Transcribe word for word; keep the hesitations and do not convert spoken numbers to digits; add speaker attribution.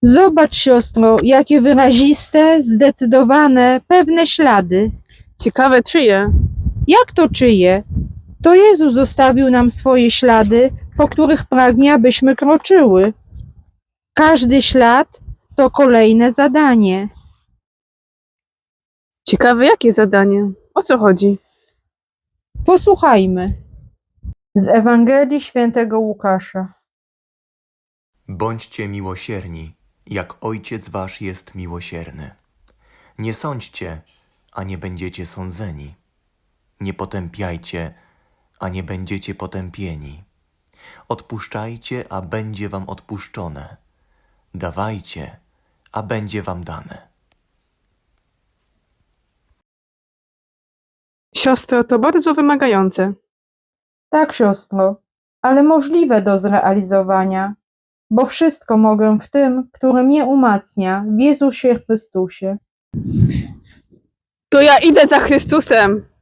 Speaker 1: Zobacz, siostro, jakie wyraziste, zdecydowane, pewne ślady.
Speaker 2: Ciekawe czyje?
Speaker 1: Jak to czyje? To Jezus zostawił nam swoje ślady, po których pragnie, abyśmy kroczyły. Każdy ślad to kolejne zadanie.
Speaker 2: Ciekawe jakie zadanie? O co chodzi?
Speaker 1: Posłuchajmy. Z Ewangelii Świętego Łukasza.
Speaker 3: Bądźcie miłosierni, jak Ojciec wasz jest miłosierny. Nie sądźcie, a nie będziecie sądzeni. Nie potępiajcie, a nie będziecie potępieni. Odpuszczajcie, a będzie wam odpuszczone. Dawajcie, a będzie wam dane.
Speaker 2: Siostro, to bardzo wymagające.
Speaker 1: Tak, siostro, ale możliwe do zrealizowania, bo wszystko mogę w tym, który mnie umacnia, w Jezusie Chrystusie.
Speaker 2: To ja idę za Chrystusem.